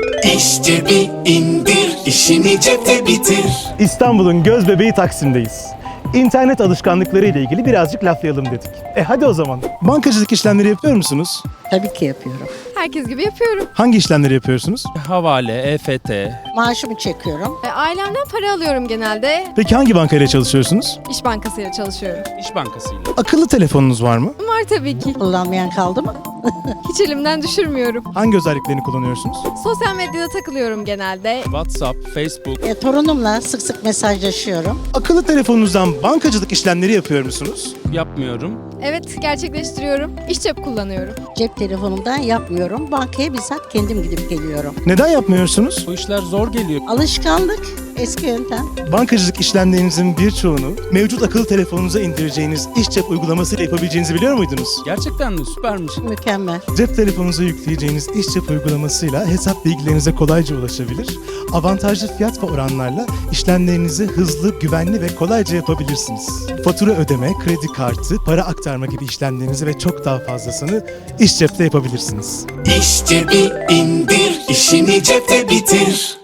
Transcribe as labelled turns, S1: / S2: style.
S1: İş cebi indir, işini cepte bitir.
S2: İstanbul'un göz bebeği Taksim'deyiz. İnternet alışkanlıkları ile ilgili birazcık laflayalım dedik. Hadi o zaman. Bankacılık işlemleri yapıyor musunuz?
S3: Tabii ki yapıyorum.
S4: Herkes gibi yapıyorum.
S2: Hangi işlemleri yapıyorsunuz?
S5: Havale, EFT.
S3: Maaşımı çekiyorum.
S4: Ailemden para alıyorum genelde.
S2: Peki hangi bankayla çalışıyorsunuz?
S4: İş Bankası'yla çalışıyorum.
S5: İş Bankası'yla.
S2: Akıllı telefonunuz var mı?
S4: Var tabii ki.
S3: Kullanmayan kaldı mı?
S4: Hiç elimden düşürmüyorum.
S2: Hangi özelliklerini kullanıyorsunuz?
S4: Sosyal medyada takılıyorum genelde.
S5: WhatsApp, Facebook.
S3: Torunumla sık sık mesajlaşıyorum.
S2: Akıllı telefonunuzdan bankacılık işlemleri yapıyor musunuz?
S5: Yapmıyorum.
S4: Evet, gerçekleştiriyorum. İş cep kullanıyorum.
S3: Cep telefonumdan yapmıyorum. Bankaya bizzat kendim gidip geliyorum.
S2: Neden yapmıyorsunuz?
S5: Bu işler zor geliyor.
S3: Alışkanlık, eski yöntem.
S2: Bankacılık işlemlerinizin birçoğunu mevcut akıllı telefonunuza indireceğiniz iş cep uygulamasıyla yapabileceğinizi biliyor muydunuz?
S5: Gerçekten mi? Süpermiş.
S3: Mükemmel.
S2: Cep telefonunuza yükleyeceğiniz iş cep uygulamasıyla hesap bilgilerinize kolayca ulaşabilir, avantajlı fiyat ve oranlarla işlemlerinizi hızlı, güvenli ve kolayca yapabilirsiniz. Fatura ödeme, kredi kartı, para aktarma gibi işlemlerinizi ve çok daha fazlasını iş cepte yapabilirsiniz.
S1: İş cebi indir, işini cepte bitir.